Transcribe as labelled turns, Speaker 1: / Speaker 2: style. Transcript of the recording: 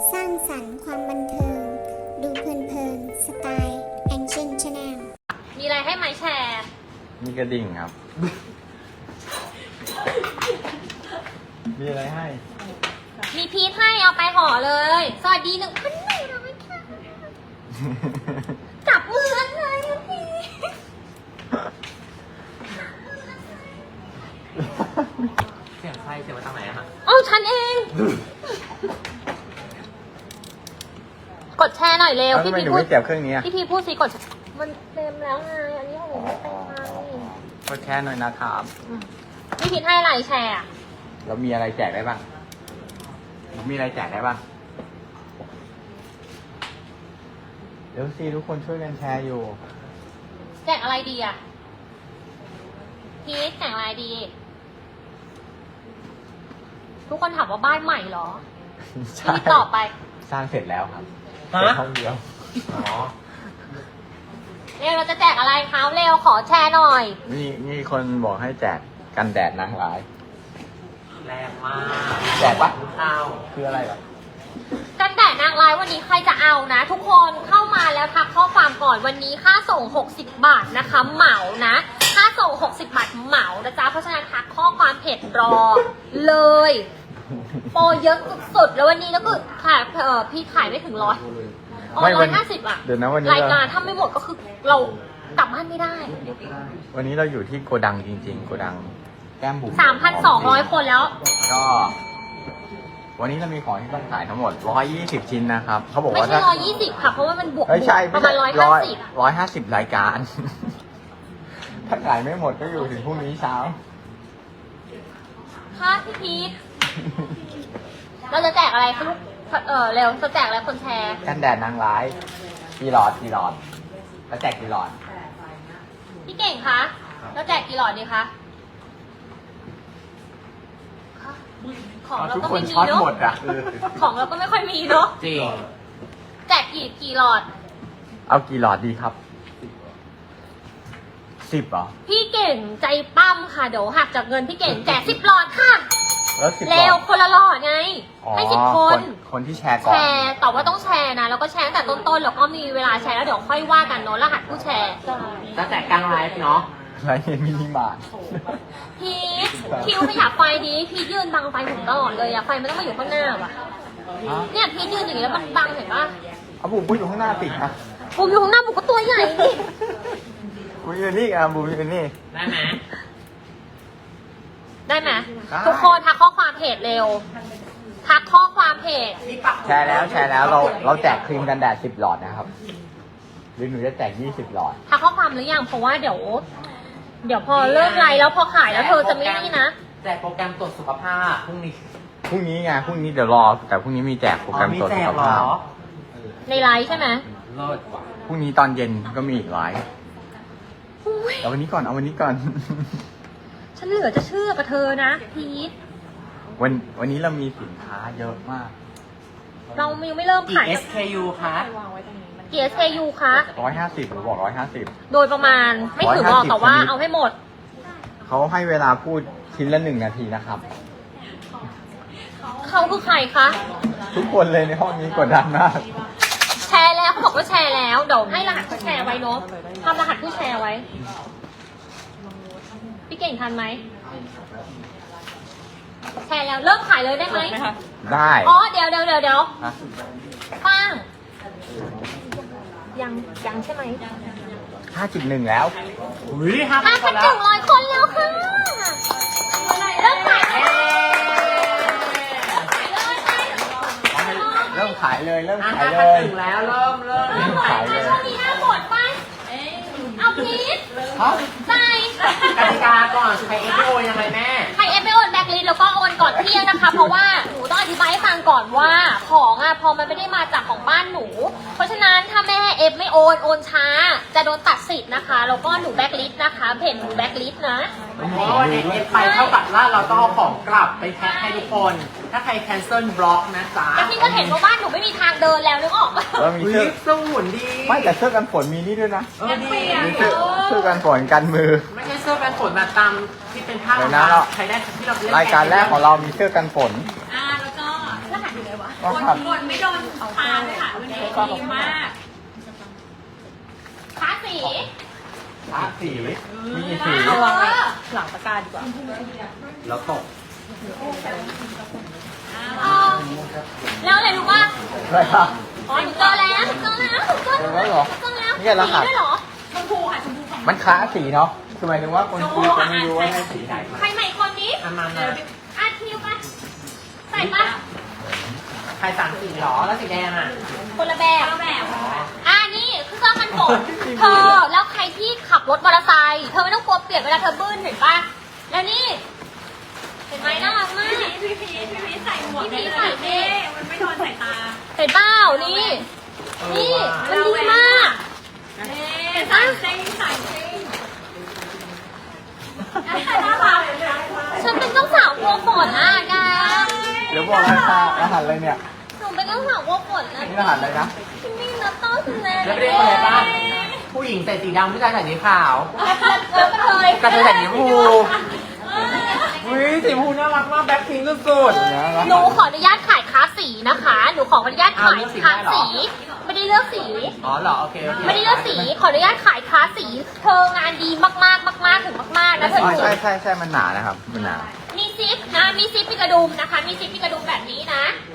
Speaker 1: สร้างสรรค์ความบันเทิง ดูเพลินๆสไตล์แองเจิลชาแนล
Speaker 2: มีอะไรให้ไหมแชร์
Speaker 3: มีกระดิ่งครับ มีอะไรให้
Speaker 2: มีพีทให้เอาไปห่อเลย สวัสดี1,100ค่ะจับมือกันเลยนะพี่
Speaker 4: เสียงใครเสียงมาทางไหนอะฮะ
Speaker 2: เอาฉันเอง กดแชร์หน่อยเร็ว
Speaker 3: แล้วทำ
Speaker 2: พี่
Speaker 3: ไม
Speaker 2: พี
Speaker 3: หนู
Speaker 2: พูด
Speaker 3: ไม่เก็บเครื่องนี้อะ
Speaker 2: พี่พีพูดสิกดมันเต็มแล้วไงอันนี้ของหนูไม่เต็มไง
Speaker 3: กดแชร์หน่อยนะครับ
Speaker 2: พี่พีทให้อะไรแชร์อะ
Speaker 3: แล้วมีอะไรแจกได้บ้าง มีอะไรแจกได้บ้าง เดี๋ยวสิทุกคนช่วยกันแชร์อยู่
Speaker 2: แจกอะไรดีอะพีทแจกอะไรดี ทุกคนถามว่าบ้านใหม่เหรอ
Speaker 3: ใช่
Speaker 2: พี่ตอบไป
Speaker 3: สร้างเสร็จแล้วครับ
Speaker 4: ฮะ
Speaker 3: เป็นห้องเดียว
Speaker 4: อ๋อ
Speaker 2: เร็วเราจะแจกอะไรคะเร็วขอแชร์หน่อย
Speaker 3: นี่คนบอกให้แจกกันแดดนางร้าย
Speaker 4: แรงมาก
Speaker 3: แจกปะ
Speaker 4: ข้าว
Speaker 3: คืออะไรเหรอ
Speaker 2: กันแดดนางร้ายวันนี้ใครจะเอานะ ทุกคนเข้ามาแล้วทักข้อความก่อนวันนี้ค่าส่ง60 บาทนะคะเหมานะค่าส่ง60 บาทเหมานะจ๊ะเพราะฉะนั้นทักข้อความเพจรอเลยโปรเยอะสุดๆแล้ววันนี้แล้วก็ขายพี่ขายไม่ถึง100อ๋อ
Speaker 3: ไม่วัน
Speaker 2: 150อ่ะ
Speaker 3: เดี๋ยวนะวันนี้
Speaker 2: รายการถ้าไม่หมดก็คือเรากลับบ้านไม่ได้
Speaker 3: วันนี้เราอยู่ที่โกดังจริงๆ โกดังแก้มบุ๋ม
Speaker 2: 3,200 คนแล้ว
Speaker 3: ก็ วันนี้เรามีของที่ต้องขายทั้งหมด120 ชิ้นนะครับ เขาบอก
Speaker 2: ไม่
Speaker 3: ว่า
Speaker 2: ใช่
Speaker 3: ถ้า
Speaker 2: 120ค่ะเพราะว่ามันบวก
Speaker 3: ไม่ใช่
Speaker 2: ประมาณ150
Speaker 3: 150 รายการ ถ้าขายไม่หมดก็อยู่ถึงพรุ่งนี้เช้า
Speaker 2: ค่ะพี่พีทเราจะแจกอะไรคะลูกเร็วจะแจกอะไรคนแชร์
Speaker 3: กันแดดนางร้ายกี่หลอดแล้วแจกกี่หลอด
Speaker 2: พี่เก่งคะแล้วแจกกี่หลอดดีคะของเรา
Speaker 3: ทุก
Speaker 2: ก็
Speaker 3: คน
Speaker 2: ไม่มี
Speaker 3: ช็อต
Speaker 2: เนาะ
Speaker 3: หมดอ่ะ
Speaker 2: ของเราก็ไม่ค่อยมีเนาะ
Speaker 4: จริง
Speaker 2: แจกกี่หลอด
Speaker 3: เอากี่หลอดดีครับ 10เหรอ
Speaker 2: พี่เก่งใจปั้มค่ะเดี๋ยวหักจากเงินพี่เก่งแจก10 หลอดค่ะ
Speaker 3: แล้ว10หล
Speaker 2: เร็
Speaker 3: อ
Speaker 2: ว
Speaker 3: ด
Speaker 2: คนละหลอดไง
Speaker 3: อ๋อ
Speaker 2: ให้10 คน
Speaker 3: คนที่แชร์ก่
Speaker 2: แช
Speaker 3: อน
Speaker 2: ร์แต่ว่าต้องแชร์นะแล้วก็แชร์ตั้งแต่ต้นๆแล้วก็มีเวลาแชร์แล้วเดี๋ยวค่อยว่ากันเนาะรหัสผู้แชร์
Speaker 4: จะแจกกลางไลฟ์เนาะ
Speaker 3: ไรเห็นมินิมาร์ท
Speaker 2: พีทคิวขยับไฟดีพีทยืนบังไฟผมตลอดเลยอะไฟมันต้องมาอยู่ข้างหน้าว่ะเนี่ยพีทยืนอย่างนี้แล้วมันบังเห็นปะ
Speaker 3: เอาบุ๋มอยู่ข้างหน้าติดนะ
Speaker 2: ผมอยู่ข้างหน้าผมก็ตัวใหญ่ดิ
Speaker 3: บุ๋มอยู่นี่อ่ะบุ๋มอยู่นี่
Speaker 4: ได้ไหม
Speaker 2: ได้ไหม
Speaker 3: ได้
Speaker 2: ทุกคนทักข้อความเพจเร็วทักข้อความเพจ
Speaker 3: แชร์แล้วเราแจกครีมกันแดด10 หลอดนะครับ หรือหนูจะแจก20 หลอด
Speaker 2: ทักข้อความหรือยังเพราะว่าเดี๋ยวพอเลิกไลฟ์แล้วพอขายแล้วเธอจะไม่นี่นะ
Speaker 4: แจกโปรแกรมตรวจสุขภาพพรุ่งนี้
Speaker 3: พรุ่งนี้ไง พรุ่งนี้เดี๋ยวรอ แต่พรุ่งนี้มีแจกโปรแกรม
Speaker 4: มี
Speaker 3: ตรวจ
Speaker 4: แจ
Speaker 3: สุ
Speaker 4: ก
Speaker 3: ข
Speaker 4: เหร
Speaker 3: ภาพ
Speaker 4: อ
Speaker 2: ในไลฟ์ใช่ไหม
Speaker 4: เลิศว่ะ
Speaker 3: พรุ่งนี้ตอนเย็นก็มีอีกไลฟ์
Speaker 2: อุ๊ย
Speaker 3: เอาวันนี้ก่อน เอาวันนี้ก่อน
Speaker 2: ฉันเหลือจะเชื่อกับเธอนะพีท
Speaker 3: วันนี้เรามีสินค้าเยอะมาก
Speaker 2: เรายังไม่เริ่ม
Speaker 4: กี่
Speaker 2: ขาย
Speaker 4: SKU คะ
Speaker 2: กี่ SKU คะ
Speaker 3: 150ผมบอก150
Speaker 2: โดยประมาณไม่ถึงหรอก
Speaker 3: 150
Speaker 2: แต่ว่า
Speaker 3: ชนิด
Speaker 2: เอาให้หมด
Speaker 3: เขาให้เวลาพูดชิ้นละ1 นาทีนะครับ
Speaker 2: เขาคือใครคะ
Speaker 3: ทุกคนเลยในห้องนี้กดดันมาก
Speaker 2: แชร์แล้วเขาบอกว่าแชร์แล้วเดี๋ยวให้รหัสผู้แชร์ไว้เนาะทำรหัสผู้แชร์ไว้ พี่เก่งทันไหมแชร์แล้วเริ่มขายเลยได้ไหม
Speaker 3: ได้
Speaker 2: อ๋อเดี๋ยว
Speaker 3: ฮะ
Speaker 2: ป้างยังใช่ไหม
Speaker 3: 5.1 แล้ว
Speaker 4: อุ้ยห้า
Speaker 2: 5,100
Speaker 4: คนแล้ว
Speaker 2: คนแล้วค่ะเริ่มขายเลย
Speaker 3: เริ่มขายเลย เริ่ม
Speaker 4: อ่ะ
Speaker 3: ขาย
Speaker 4: ห้า
Speaker 3: เลย
Speaker 4: พันหนึ่งแล้วเริ่ม
Speaker 2: เริ่มขายเลยช่วงนี้หน้าหมดป่ะเอาพีท
Speaker 3: ฮะ
Speaker 2: ใจ
Speaker 4: กติกาก่อนใคร SKU ยังไงแม่
Speaker 2: ใครเอฟไปโอนแบ็คลิสแล้วก็โอนก่อนเที่ยงนะคะ เพราะว่าหนูต้องอธิบายให้ฟังก่อนว่าของอ่ะพอมันไม่ได้มาจากของบ้านหนู เพราะฉะนั้นถ้าแม่เอฟไม่โอนช้า จะโดนตัดสิทธิ์นะคะ แล้วก็หนูแบ็คลิสนะคะเพจหนูแบ็คลิสนะ
Speaker 4: เพราะว่าวันนี้เอฟไปเท่ากับว่าเราต้องเอาของกลับไปแพ็คให้ทุกคน ถ้าใคร cancel บล็อกนะจ๊ะ
Speaker 2: แล้วพี่ก็เห็นว่าบ้านหนูไม่มีทางเดินแล้วนึกออกปะ
Speaker 3: เรามี
Speaker 4: อุ้ย
Speaker 3: เสื้อ
Speaker 4: สู้หุ่นดี
Speaker 3: ไม่แต่เสื้อกันฝนมีนี่ด้วยนะ
Speaker 4: ดี
Speaker 3: มีเสื้อกันฝนกันมือ
Speaker 4: ไม่ใช่เสื้อกันฝนแบบตามที่เป็นผ้า
Speaker 3: เดี๋ยวนะเรา
Speaker 4: ใช้ได้ที่เราเล่น
Speaker 3: รายการแรกของเรามีเสื้อกันฝน
Speaker 2: แล้วก็รหัสอยู่ไหนวะ
Speaker 3: ก็ขับ
Speaker 2: กดไม่โดนทาเลยค่ะมันดีมากค้าสี
Speaker 3: พระสีมีกี่สี
Speaker 2: เอาวางไว้
Speaker 5: หลังตะกร้าดีกว่า
Speaker 3: แล้วตก
Speaker 2: แล้วอะไรรู้ป่ะ
Speaker 3: อะไรครับ
Speaker 2: อ๋อหนูเจอแล้วหนูเจอแล้วหนูเจอ
Speaker 3: เจอแล้วเหรอ
Speaker 2: เจอแล้ว
Speaker 3: นี่ไงรหัส
Speaker 2: มีด้วยเหรอ
Speaker 3: มันค้าสีเนาะคือหมายถึงว่าคนจีนจะไม่รู้ว่าให้สีไหน
Speaker 2: ใครใหม่คนนี้
Speaker 4: อามา
Speaker 2: อาทิวป่ะใส่ป่ะ
Speaker 4: ใครสั่งสีหรอแล้วสีแดงอ่ะ
Speaker 2: คนละแบบนี่คือเครื่องมันฝนเธอแล้วใครที่ขับรถมอเตอร์ไซค์เธอไม่ต้องกลัวเปียกเวลาเธอบื้นเห็นป่ะแล้วนี่เห็นไหมน่ารักมากพี่พีใส่หมวกพี่พีใส่เท่มันไม่โดนสายตาเห็นเปล่านี่นี่มันดีมากเห็นป่ะฉันเป็นเจ้าสาวกลัวฝนอ่ะแก
Speaker 3: เดี๋ยวบอกรหัสอะไรเนี่ย
Speaker 2: หนูเป็นเจ้าสาวกลัวฝนนะ
Speaker 3: นี่รหัสอะไรนะ
Speaker 2: นี่นัตโต้สุดเลย
Speaker 4: แล้วไม่ได้อะไรป่ะผู้หญิงใส่สีดำผู้ชายใส่สีขาว
Speaker 2: แล้วก็เลย
Speaker 4: กระเทยใส่สีชมพูอุ้ยสีชมพูน่ารักมากแบ็คพิงค์สุด
Speaker 2: หนูขออนุญาตขายค้าสีนะคะ หนูขออนุญาตขายค้าสี ไม่ได้เลือกสี
Speaker 4: ๆอ๋อเหรอโอเคโอเค
Speaker 2: ไม่ได้เลือกสี ขออนุญาตขายค้าสี เธองานดีมากๆมากๆถึงมากๆนะเธอ
Speaker 3: อ๋อ
Speaker 2: ดู
Speaker 3: ใช่มันหนานะครับมันหนา
Speaker 2: มีซิปนะ มีซิปมีกระดุมนะคะ มีซิปมีกระดุมแบบนี้นะ